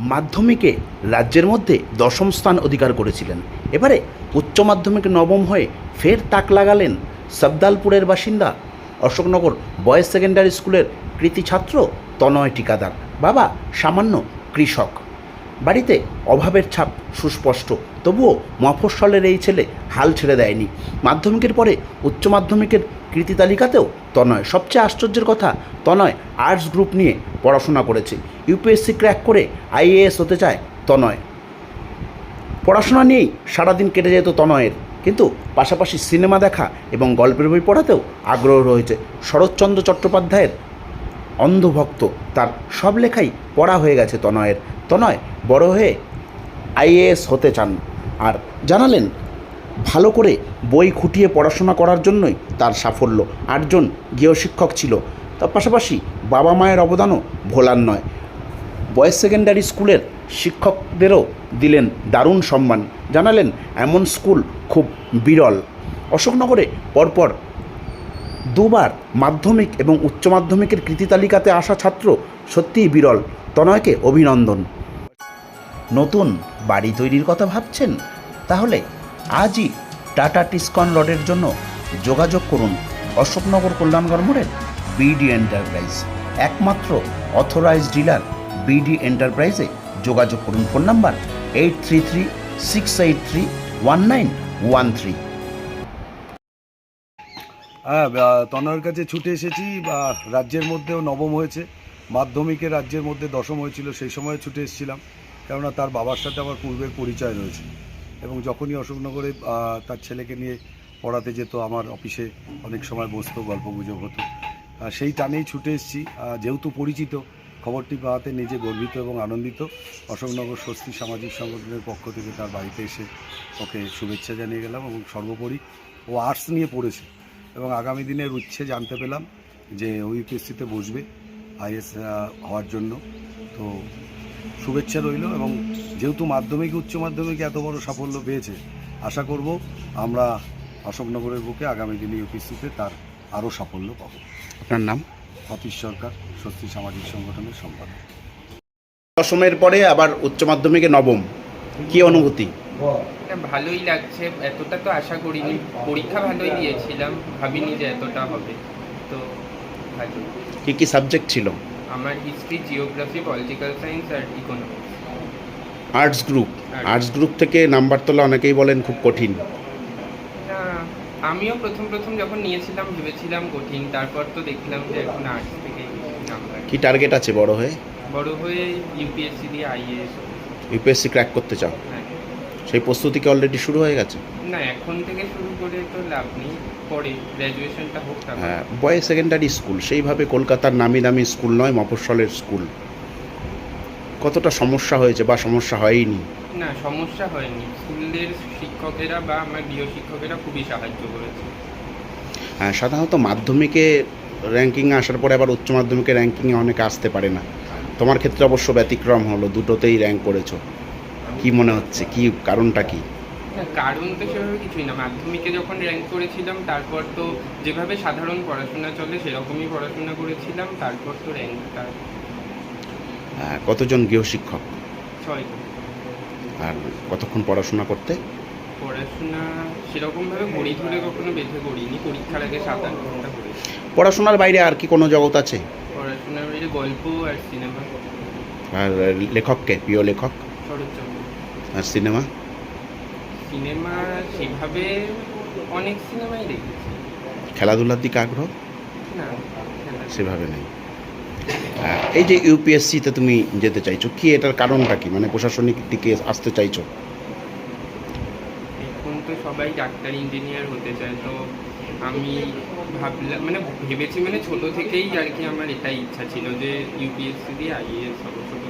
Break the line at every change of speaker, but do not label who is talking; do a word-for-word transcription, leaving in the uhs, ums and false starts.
মাধ্যমিকে রাজ্যের মধ্যে দশম স্থান অধিকার করেছিলেন। এবারে উচ্চ মাধ্যমিকে নবম হয়ে ফের তাক লাগালেন সাবদালপুরের বাসিন্দা অশোকনগর বয়েজ সেকেন্ডারি স্কুলের কৃতি ছাত্র তনয় টিকাদার। বাবা সামান্য কৃষক, বাড়িতে অভাবের ছাপ সুস্পষ্ট, তবুও মফস্বলের এই ছেলে হাল ছেড়ে দেয়নি। মাধ্যমিকের পরে উচ্চ মাধ্যমিকের কৃতি তালিকাতেও তনয়। সবচেয়ে আশ্চর্যের কথা, তনয় আর্টস গ্রুপ নিয়ে পড়াশোনা করেছে। ইউপিএসসি ক্র্যাক করে আইএএস হতে চায় তনয়। পড়াশোনা নিয়েই সারাদিন কেটে যেত তনয়ের, কিন্তু পাশাপাশি সিনেমা দেখা এবং গল্পের বই পড়াতেও আগ্রহ রয়েছে। শরৎচন্দ্র চট্টোপাধ্যায়ের অন্ধভক্ত, তার সব লেখাই পড়া হয়ে গেছে তনয়ের। তনয় বড় হয়ে আইএএস হতে চান, আর জানালেন ভালো করে বই খুঁটিয়ে পড়াশোনা করার জন্যই তার সাফল্য। আটজন গৃহশিক্ষক ছিল, তার পাশাপাশি বাবা মায়ের অবদানও ভোলার নয়। বয়েজ সেকেন্ডারি স্কুলের শিক্ষকদেরও দিলেন দারুণ সম্মান। জানালেন এমন স্কুল খুব বিরল। অশোকনগরে পরপর দুবার মাধ্যমিক এবং উচ্চ মাধ্যমিকের কৃতি তালিকাতে আসা ছাত্র সত্যিই বিরল। তনয়কে অভিনন্দন। নতুন বাড়ি তৈরির কথা ভাবছেন? তাহলে আজই টাটা টিসকন রডের জন্য যোগাযোগ করুন অশোকনগর কল্যাণগড় মোড়ের বিডি এন্টারপ্রাইজ। একমাত্র অথরাইজড ডিলার বিডি এন্টারপ্রাইজে যোগাযোগ করুন। Phone number eight three three six eight three one nine one three.
হ্যাঁ, তনয়ের কাছে ছুটে এসেছি। রাজ্যের মধ্যেও নবম হয়েছে, মাধ্যমিকে রাজ্যের মধ্যে দশম হয়েছিল, সেই সময় ছুটে এসেছিলাম, কেননা তার বাবার সাথে আমার পূর্বের পরিচয় রয়েছে। এবং যখনই অশোকনগরে তার ছেলেকে নিয়ে পড়াতে যেত, আমার অফিসে অনেক সময় বসতো, গল্প গুজব হতো, সেই টানেই ছুটে এসেছি। যেহেতু পরিচিত, খবরটি পাওয়াতে নিজে গর্বিত এবং আনন্দিত। অশোকনগর স্বস্তি সামাজিক সংগঠনের পক্ষ থেকে তার বাড়িতে এসে ওকে শুভেচ্ছা জানিয়ে গেলাম। এবং সর্বোপরি ও আর্টস নিয়ে পড়েছে এবং আগামী দিনের উচ্ছে জানতে পেলাম যে ও ইউপিএসসিতে বসবে আইএস হওয়ার জন্য। তো শুভেচ্ছা রইল। এবং যেহেতু মাধ্যমিক উচ্চ মাধ্যমিকে এত বড় সাফল্য পেয়েছে, আশা করব আমরা অশোকনগরের বুকে আগামী দিনে ইউপিএসসিতে তার আরও সাফল্য পাব।
আপনার নাম?
অতীশ সরকার, স্বস্তি সামাজিক সংগঠনের সম্পাদক।
দশমের পরে আবার উচ্চ মাধ্যমিকে নবম, কি অনুভূতি?
ভালোই লাগছে, এতটা তো আশা করিনি। পরীক্ষা ভালোই দিয়েছিলাম, ভাবিনি যে এতটা হবে। তো ভালো।
কি কি সাবজেক্ট ছিল?
আমার হিস্ট্রি, জিওগ্রাফি, পলিটিক্যাল সায়েন্স আর economics.
Arts group. Arts group থেকে নাম্বার তোলা অনেকেই বলেন খুব কঠিন।
না, আমিও প্রথম প্রথম যখন নিয়েছিলাম ভেবেছিলাম কঠিন, তারপর তো দেখলাম যে এখন আর্টস থেকে নাম্বার।
কি টার্গেট আছে বড় হয়ে?
বড় হয়ে ইউপিএসসি দিয়ে আইএএস।
ইউপিএসসি ক্র্যাক করতে চাও?
হ্যাঁ।
সেই প্রস্তুতি কি অলরেডি শুরু হয়ে গেছে?
না, এখন থেকে শুরু করে তো লাভ নেই, পরে গ্র্যাজুয়েশনটা হোক।
হ্যাঁ, বয়েজ সেকেন্ডারি স্কুল সেইভাবে কলকাতার নামি দামি স্কুল নয়, মফস্বলের স্কুল। কতটা সমস্যা হয়েছে বা সমস্যা হয়নি?
না, সমস্যা হয়নি। স্কুলের শিক্ষকেরা বা আমার গৃহ শিক্ষকেরা খুবই সাহায্য করেছে।
হ্যাঁ, সাধারণত মাধ্যমিকে র্যাঙ্কিংয়ে আসার পরে আবার উচ্চ মাধ্যমিকে র্যাঙ্কিংয়ে অনেকে আসতে পারে না। তোমার ক্ষেত্রে অবশ্য ব্যতিক্রম হলো, দুটোতেই র্যাঙ্ক করেছো। কি মনে হচ্ছে, কি কারণটা কি?
না, কারণ তো সেভাবে কিছুই না। মাধ্যমিকে যখন র্যাঙ্ক করেছিলাম, তারপর তো যেভাবে সাধারণ পড়াশোনা চলে সেরকমই পড়াশোনা করেছিলাম, তারপর তো র্যাঙ্কটা।
হ্যাঁ, কতজন গৃহশিক্ষক?
ছয়।
আর কতক্ষণ পড়াশোনা করতে?
পড়াশোনা সেরকমভাবে ঘড়ি ধরে কখনো বেঁধে করিনি, পরীক্ষার আগে সাত আট ঘন্টা করেছি।
পড়াশোনার বাইরে আর কি কোনো জগৎ আছে?
পড়াশোনার বাইরে গল্প আর সিনেমা।
আর লেখককে, প্রিয় লেখক?
শরৎচন্দ্র।
আর সিনেমা?
সিনেমা সেভাবে অনেক সিনেমাই দেখেছি।
খেলাধুলার দিকে আগ্রহ?
না,
সেভাবে নেই। এই যে ইউপিএসসিতে তুমি যেতে চাইছো, কি এটার কারণটা কি? মানে প্রশাসনিক দিকে আসতে চাইছো?
এখন তো সবাই ডাক্তার ইঞ্জিনিয়ার হতে চায়, তো আমি ভাবলাম, মানে ভেবেছি, মানে ছোটো থেকেই আর কি আমার এটাই ইচ্ছা ছিল যে ইউপিএসসি দিয়ে আইএএস হবো।